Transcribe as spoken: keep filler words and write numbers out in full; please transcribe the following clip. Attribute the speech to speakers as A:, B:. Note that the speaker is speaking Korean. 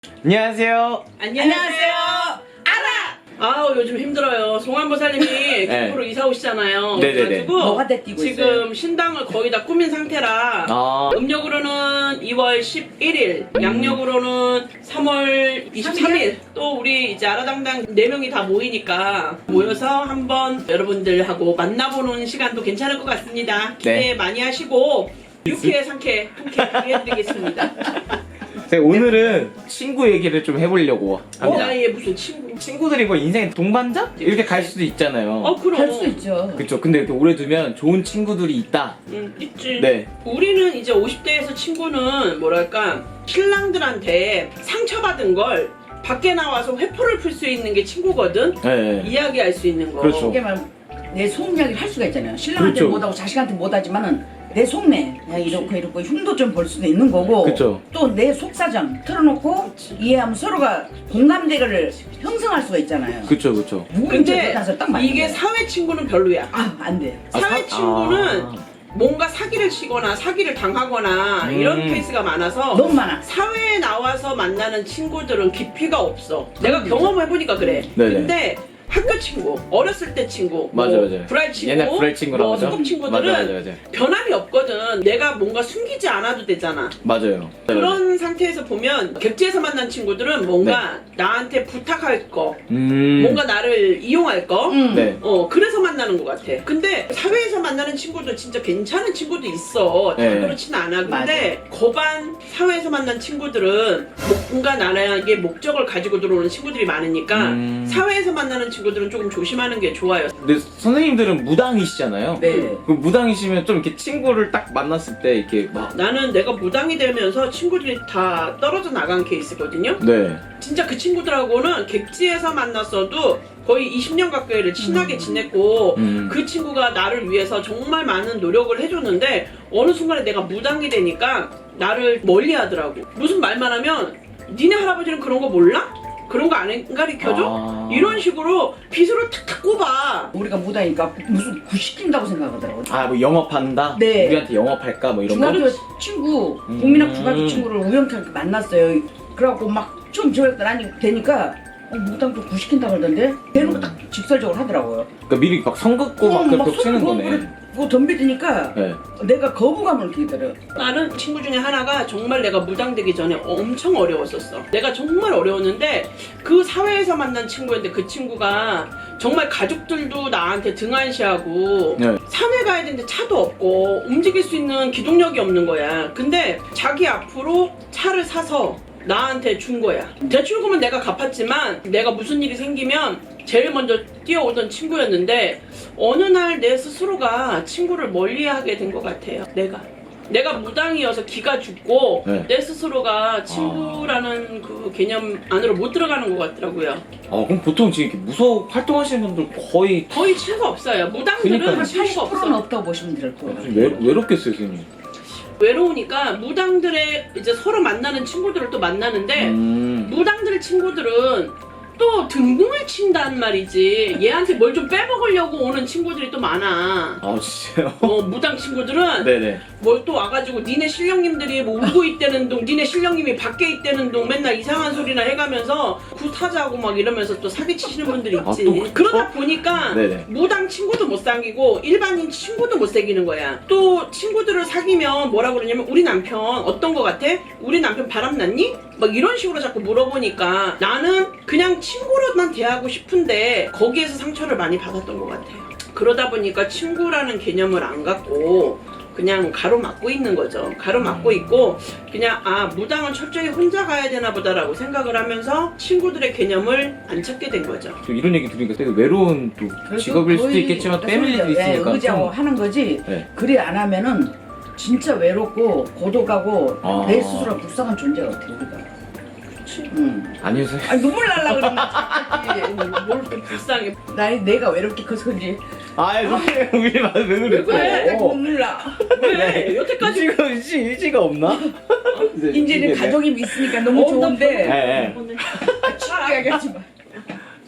A: 안녕하세요.
B: 안녕하세요. 알아. 아 요즘 힘들어요. 송환보살님이
A: 네.
B: 김포로 이사 오시잖아요.
A: 네네네.
B: 그래가지고
C: 뭐가 떼뛰고
B: 지금
C: 있어요?
B: 신당을 거의 다 꾸민 상태라
A: 아.
B: 음력으로는 이월 십일일, 양력으로는 삼월 이십삼일. 또 우리 이제 아라당당 네 명이 다 모이니까 모여서 한번 여러분들하고 만나보는 시간도 괜찮을 것 같습니다. 기대
A: 네.
B: 많이 하시고 유쾌 상쾌 통쾌 해드리겠습니다.
A: 제가 오늘은 친구 얘기를 좀 해보려고
B: 어,
A: 합니다.
B: 나의 무슨 친구?
A: 친구들이 뭐 인생의 동반자? 이렇게 갈 수도 있잖아요.
B: 어 그럼.
C: 할 수 있죠.
A: 그쵸. 근데 이렇게 오래 두면 좋은 친구들이 있다.
B: 응, 있지.
A: 네.
B: 우리는 이제 오십 대에서 친구는 뭐랄까 신랑들한테 상처받은 걸 밖에 나와서 회포를 풀 수 있는 게 친구거든.
A: 네.
B: 이야기할 수 있는 거.
A: 그렇죠.
C: 이게 말내 속 이야기를 할 수가 있잖아요. 신랑한테
A: 그렇죠.
C: 못하고 자식한테 못하지만은 내 속내 야 이렇고 이렇고 흉도 좀 볼 수도 있는 거고
A: 그쵸.
C: 또 내 속사정 털어놓고 이해하면 서로가 공감대를 형성할 수가 있잖아요.
A: 그쵸, 그쵸.
B: 근데
C: 딱 맞는
B: 이게
C: 거예요.
B: 사회 친구는 별로야.
C: 아, 안 돼.
A: 아,
B: 사회
A: 사-
B: 친구는
A: 아.
B: 뭔가 사기를 치거나 사기를 당하거나
A: 음.
B: 이런 케이스가 많아서
C: 너무 많아.
B: 사회에 나와서 만나는 친구들은 깊이가 없어. 내가 경험해보니까 그래.
A: 네네.
B: 근데 학교 친구, 어렸을 때 친구,
A: 맞아,
B: 뭐
A: 맞아.
B: 불알 친구,
A: 옛날 불알 친구라고
B: 뭐
A: 하죠?
B: 소꿉 친구들은
A: 맞아, 맞아, 맞아.
B: 변함이 없거든. 내가 뭔가 숨기지 않아도 되잖아.
A: 맞아요.
B: 그런 상태에서 보면 객지에서 만난 친구들은 뭔가 나한테 부탁할 거,
A: 음.
B: 뭔가 나를 이용할 거,
C: 응.
A: 네.
B: 어 그래서 만나는 것 같아. 근데 사회에서 만나는 친구도 진짜 괜찮은 친구도 있어. 다
A: 네.
B: 그렇진 않아. 근데 거반 사회에서 만난 친구들은 뭔가 나에게 목적을 가지고 들어오는 친구들이 많으니까
A: 음.
B: 사회에서 만나는 친구들은 조금 조심하는 게 좋아요.
A: 근데 선생님들은 무당이시잖아요.
C: 네.
A: 그 무당이시면 좀 이렇게 친구를 딱 만났을 때 이렇게 막.
B: 나는 내가 무당이 되면서 친구들이 다 떨어져 나간 케이스거든요.
A: 네.
B: 진짜 그 친구들하고는 객지에서 만났어도 거의 이십 년 가까이를 친하게
C: 음.
B: 지냈고
A: 음.
B: 그 친구가 나를 위해서 정말 많은 노력을 해줬는데 어느 순간에 내가 무당이 되니까 나를 멀리 하더라고. 무슨 말만 하면 니네 할아버지는 그런 거 몰라? 그런 거 안 가르쳐줘?
A: 아.
B: 이런 식으로 빗으로 탁탁 꼽아.
C: 우리가 무다니까 무슨 구시킨다고 생각하더라고.
A: 아, 뭐 영업한다?
C: 네.
A: 우리한테 영업할까? 뭐 이런 거?
C: 중학교 친구,
A: 음.
C: 국민학 중학교 친구를 우연찮게 만났어요. 그래갖고 막 처음 저랬더니 아니 되니까 어, 무당 좀 구시킨다 그러던데 되는 거 딱 직설적으로 하더라고요.
A: 그러니까 미리 막 선 긋고 막 그렇게 치는
C: 손
A: 거네.
C: 그거, 그거 덤비드니까
A: 네.
C: 내가 거부감을 느끼더라고요.
B: 나는 친구 중에 하나가 정말 내가 무당되기 전에 엄청 어려웠었어. 내가 정말 어려웠는데 그 사회에서 만난 친구였는데 그 친구가 정말 가족들도 나한테 등한시하고
A: 네.
B: 산에 가야 되는데 차도 없고 움직일 수 있는 기동력이 없는 거야. 근데 자기 앞으로 차를 사서 나한테 준 거야. 대출금은 내가 갚았지만 내가 무슨 일이 생기면 제일 먼저 뛰어오던 친구였는데 어느 날 내 스스로가 친구를 멀리하게 된 것 같아요. 내가 내가 무당이어서 기가 죽고
A: 네.
B: 내 스스로가 친구라는 그 개념 안으로 못 들어가는 것 같더라고요.
A: 아, 그럼 보통 지금 이렇게 무서 활동하시는 분들 거의
B: 거의 친구가 없어요. 무당들은
A: 그러니까요.
B: 친구가
C: 팔십 퍼센트는
B: 없어.
C: 없다고 보시면 될 거예요.
A: 좀 외, 외롭겠어요, 선생님.
B: 외로우니까 무당들의 이제 서로 만나는 친구들을 또 만나는데
A: 음.
B: 무당들 친구들은 또 등등을 친단 말이지. 얘한테 뭘 좀 빼먹으려고 오는 친구들이 또 많아.
A: 아, 진짜요?
B: 어, 무당 친구들은
A: 네네.
B: 뭘 또 와가지고 니네 신령님들이 뭐 울고 있다는 둥, 니네 신령님이 밖에 있다는 둥 맨날 이상한 소리나 해가면서 굿하자고 막 이러면서 또 사기치시는 분들이
A: 아,
B: 있지.
A: 또 그쵸?
B: 그러다 보니까
A: 네네.
B: 무당 친구도 못 사귀고 일반인 친구도 못 사귀는 거야. 또 친구들을 사귀면 뭐라 그러냐면 우리 남편 어떤 거 같아? 우리 남편 바람났니? 막 이런 식으로 자꾸 물어보니까 나는 그냥 친구로만 대하고 싶은데 거기에서 상처를 많이 받았던 것 같아요. 그러다 보니까 친구라는 개념을 안 갖고 그냥 가로막고 있는 거죠. 가로막고 있고 그냥 아 무당은 철저히 혼자 가야 되나 보다라고 생각을 하면서 친구들의 개념을 안 찾게 된 거죠.
A: 저 이런 얘기 들으니까 되게 외로운 또
C: 그래서
A: 직업일 수도
C: 거의
A: 있겠지만 패밀리도 있으니까.
C: 예, 의지하고
A: 좀-
C: 하는 거지.
A: 네.
C: 그래 안 하면은 진짜 외롭고 고독하고
A: 아.
C: 내 스스로 불쌍한 존재 같아 우리가.
B: 그치?
C: 응.
A: 아니요, 선생님.
C: 아 눈물 날라 그러나.
B: 뭘 또 불쌍해.
C: 나이 내가 외롭게 커서 그런지.
A: 아, 선생님, 우리 왜
B: 왜
A: 그래?
B: 그래?
C: 자꾸 눈물 나.
B: 왜? 여태까지
A: 의지가, 의지, 의지가 없나?
C: 이제는 가족이 있으니까 너무
B: 어, 나
C: 좋은데.
A: 네, 네.
B: 오늘
C: 친하게 하지 마.